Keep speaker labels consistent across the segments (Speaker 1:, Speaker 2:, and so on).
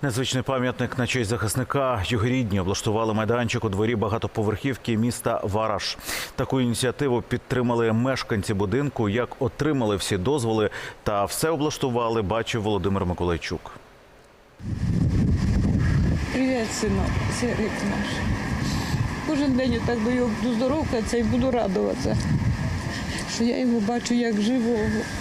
Speaker 1: Незвичний пам'ятник на честь захисника. Його рідні облаштували майданчик у дворі багатоповерхівки міста Вараш. Таку ініціативу підтримали мешканці будинку. Як отримали всі дозволи та все облаштували, бачив Володимир Миколайчук.
Speaker 2: Привіт, синок, Сергій наш. Кожен день так до його буду здоровкатися і буду радуватися, що я його бачу як живого.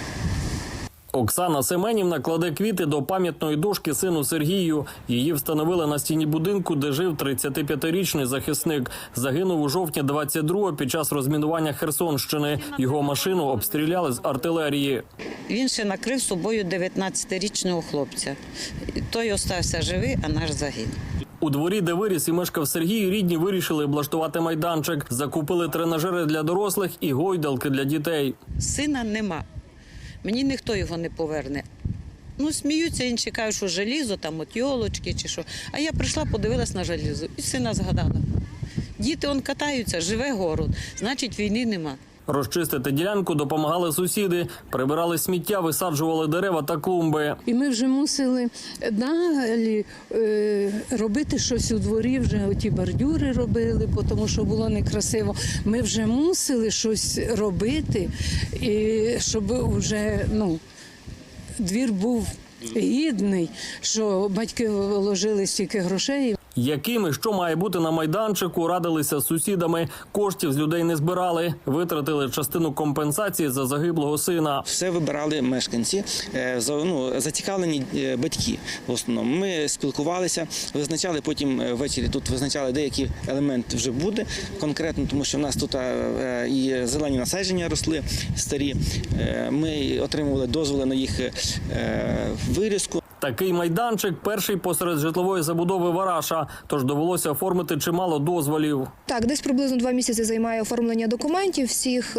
Speaker 3: Оксана Семенівна кладе квіти до пам'ятної дошки сину Сергію. Її встановили на стіні будинку, де жив 35-річний захисник. Загинув у жовтні 22-го під час розмінування Херсонщини. Його машину обстріляли з артилерії.
Speaker 4: Він ще накрив собою 19-річного хлопця. Той остався живий, а наш загинув.
Speaker 3: У дворі, де виріс і мешкав Сергій, рідні вирішили облаштувати майданчик. Закупили тренажери для дорослих і гойдалки для дітей.
Speaker 4: Сина нема. Мені ніхто його не поверне. Ну, сміються, інші кажуть, що желізо, там от йолочки чи що. А я прийшла, подивилась на желізо і сина згадала. Діти он катаються, живе город, значить війни нема.
Speaker 3: Розчистити ділянку допомагали сусіди. Прибирали сміття, висаджували дерева та клумби.
Speaker 2: І ми вже мусили далі робити щось у дворі, вже оті бордюри робили, тому що було некрасиво. Ми вже мусили щось робити, і щоб вже, двір був гідний, що батьки вложили стільки грошей.
Speaker 3: Яким і що має бути на майданчику, радилися з сусідами. Коштів з людей не збирали. Витратили частину компенсації за загиблого сина.
Speaker 5: Все вибирали мешканці, зацікавлені батьки в основному. Ми спілкувалися, визначали потім ввечері, тут визначали, деякі елементи вже буде конкретно, тому що в нас тут і зелені насадження росли старі. Ми отримували дозволи на їх вирізку.
Speaker 3: Такий майданчик – перший посеред житлової забудови Вараша, тож довелося оформити чимало дозволів.
Speaker 6: Так, десь приблизно 2 місяці займає оформлення документів, всіх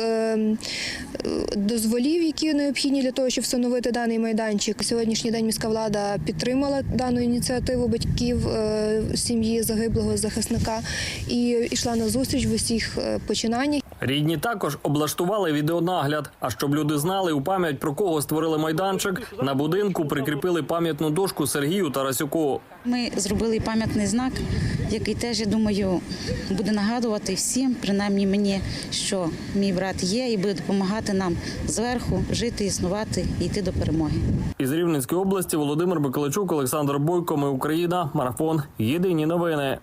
Speaker 6: дозволів, які необхідні для того, щоб встановити даний майданчик. Сьогоднішній день міська влада підтримала дану ініціативу батьків сім'ї загиблого захисника і йшла на зустріч в усіх починаннях.
Speaker 3: Рідні також облаштували відеонагляд. А щоб люди знали, у пам'ять про кого створили майданчик, на будинку прикріпили пам'ятну дошку Сергію Тарасюку.
Speaker 7: Ми зробили пам'ятний знак, який теж, я думаю, буде нагадувати всім, принаймні мені, що мій брат є і буде допомагати нам зверху жити, існувати і йти до перемоги.
Speaker 3: Із Рівненської області Володимир Миколайчук, Олександр Бойко. Ми Україна. Марафон. Єдині новини.